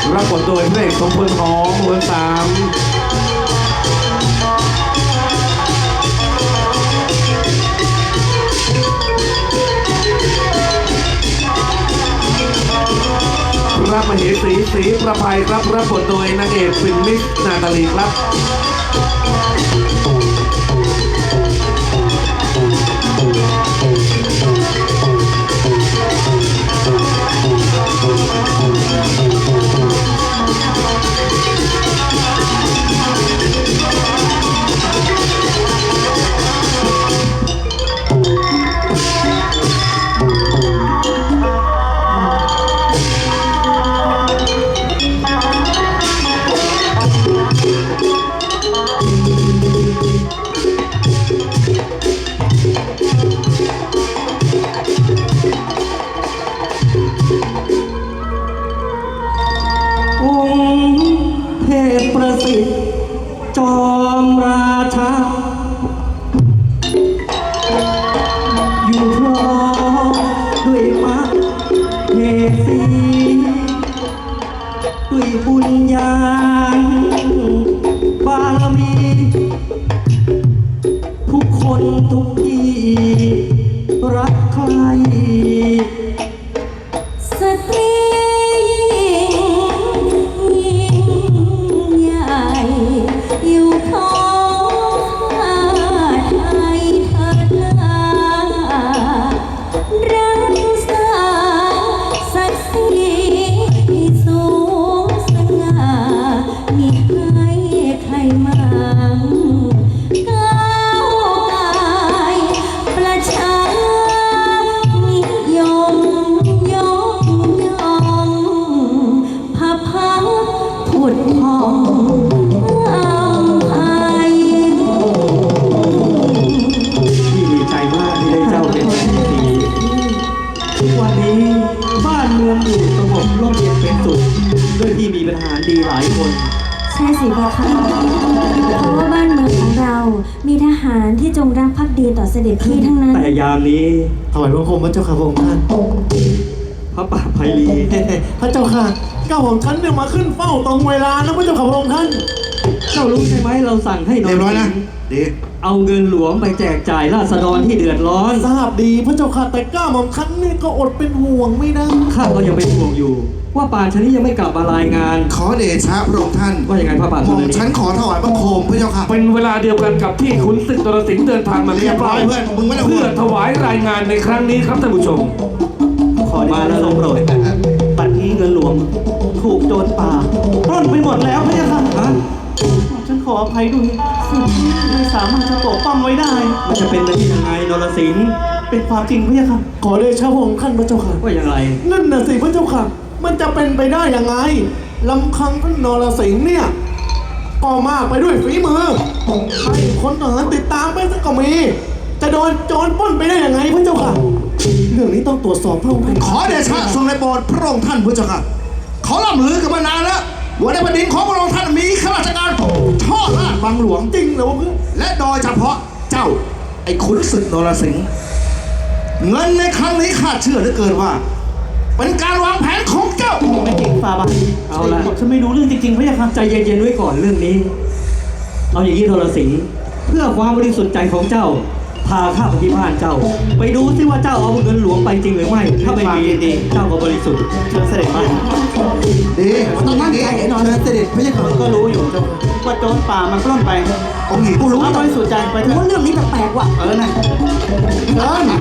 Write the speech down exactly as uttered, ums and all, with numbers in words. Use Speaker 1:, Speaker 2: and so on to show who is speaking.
Speaker 1: รับบทโดยพระเอกสมพลของเวอร์สามพระมเหสีศรีประภัยครับรับบทโดยนางเอกฟินมิสนาตาลีครับ
Speaker 2: ประสิทธิ์จอมราชาอยู่พร้อมด้วยมักเหสีด้วยบุญญาณบารมีทุกคนทุกที่รักใคร
Speaker 3: สตรีอยู่ของข้าไทยเถิดนารักษาศักดิ์ศรีสูงสง่ามิให้ใครมาก้าวกายประชานิยมยกย่องพระพักตร์ผุดผ่อง
Speaker 2: วันนี้บ้านเมืองอยู่สงบร่มเย็นเป็นสุขด้วยที่มีทหารดีหลายคน
Speaker 3: ใช่สิพ่อค่ะเพราะว่าบ้านเมืองของเรามีทหารที่จงรักภักดีต่อเสด็จพี่ทั้งนั้น
Speaker 2: แต่ยามนี้
Speaker 4: ถวายบังคมพระเจ้าค่ะพระองค์ท่าน
Speaker 2: พระป่าไพลี
Speaker 4: พระเจ้าค่ะเก้าของฉันเนี่ยมาขึ้นเฝ้าตรงเวลานะพระเจ้าค่ะพระองค์ท่าน
Speaker 2: เจ้ารู้ใช่ไหมเราสั่งให้นอนเรียบร้อยนะดีเอาเงินหลวงไปแจกจ่ายราษฎรที่เดือดร้อน
Speaker 4: ทราบดีพระเจ้าค่ะแต่ก้าของฉันนี่ก็อดเป็นห่วงไม่ได้
Speaker 2: ข้าก็ยังเป็นห่วงอยู่ว่าป่านชนี้ยังไม่กลับมารายงาน
Speaker 5: ขอเดชะพระองค์ท่าน
Speaker 2: ว่าอย่างไงพระป่าช
Speaker 5: นี้ฉันขอถวายบังคมพระเจ้าค่ะ
Speaker 1: เป็นเวลาเดียวกันกับที่ขุนศึกนรสิงห์เดินทางมาเรียบร้อยเพื่อนมึงไม่ได้เพื่อถวายรายงานในครั้งนี้ครับท่านผู้ชม
Speaker 2: ขอมาแล้วทรงโปรดบัดนี้เงินหลวงถูกโจรป่าปล้นไปหมดแล้วพระเจ้าค่ะฉันขออภัยด้วยไม่สามารถจะปกป้องไว้ได้มันจะเป็นไปได้ยังไงนรสิงห์เป็นความจริงพระเจ้าค่ะ
Speaker 4: ขอเดชะพระองค์ท่านพระเจ้าค่ะ
Speaker 2: ว่าอย่างไร
Speaker 4: นั่นน่ะสิพระเจ้าค่ะมันจะเป็นไปได้ยังไงลำพังท่านนรสิงห์เนี่ยก็มากไปด้วยฝีมือให้คนทหารติดตามไปสักก็มีจะโดนโจรปล้นไปได้ยังไงพระเจ้าค่ะเรื่องนี้ต้องตรวจสอบพระองค์ท่าน
Speaker 5: ขอเดชะทรงในโปรดพระองค์ท่านพระเจ้าค่ะเขาล่ำลือกันมานานแล้วว่าในแผ่นดินของพระองค์ท่านมีข้าราชการทอดราชบังหลวง
Speaker 4: จริงเหรอเพื่อน
Speaker 5: และโดยเฉพาะเจ้าไอ้ขุนศึกนรสิงห์เงินในครั้งนี้ข้าเชื่อเหลือเกินว่าเป็นการวางแผนของเจ้า
Speaker 2: ไม่จริงฟาบาเอาละฉันไม่รู้เรื่องจริงๆพระยาค่ะใจเย็นๆไว้ก่อนเรื่องนี้เอาอย่างนี้นรสิงห์เพื่อความบริสุทธิ์ใจของเจ้าพาข้าไปที่บ้านเจ้าไปดูซิว่าเจ้าเอาเงินหลวงไปจริงหรือไม่ถ้าไม่มีดีเจ้าก็บริสุทธิ์เชิญเสด็จมา
Speaker 5: ดีต้องมั่นใจแน่นอนเสด็จพระเจ้าค่ะ
Speaker 2: ก็รู้อยู่ว่าโจรป่ามันปล้นไป
Speaker 5: องค์หญิง
Speaker 2: กูรู้บริสุทธิ์ใจไปเถอะ
Speaker 3: ว่าเรื่องนี้แปลกๆว่ะ
Speaker 2: เออนะ
Speaker 5: เดิน